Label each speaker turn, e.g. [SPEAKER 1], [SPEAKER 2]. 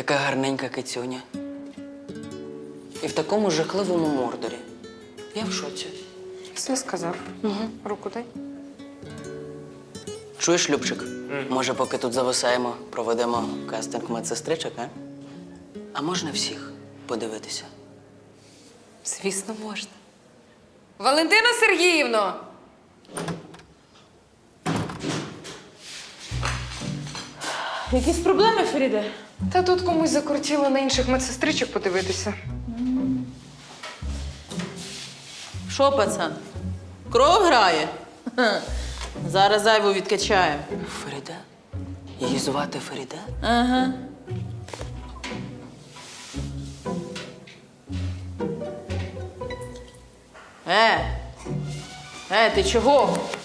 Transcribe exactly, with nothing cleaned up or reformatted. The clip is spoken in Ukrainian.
[SPEAKER 1] Така гарненька кицюня. І в такому жахливому мордорі. Я в шоці.
[SPEAKER 2] Все сказав. Угу. Руку дай.
[SPEAKER 1] Чуєш, Любчик? Може, поки тут зависаємо, проведемо кастинг медсестричок, а? А можна всіх подивитися?
[SPEAKER 2] Звісно, можна. Валентина Сергіївно!
[SPEAKER 3] Якісь проблеми, Феріде?
[SPEAKER 2] Та тут комусь закрутіло на інших медсестричок подивитися.
[SPEAKER 3] Що, пацан? Кров грає? Ха. Зараз зайву відкачаємо.
[SPEAKER 1] Феріде? Її звати Феріде?
[SPEAKER 3] Ага. Е! Е, ти чого?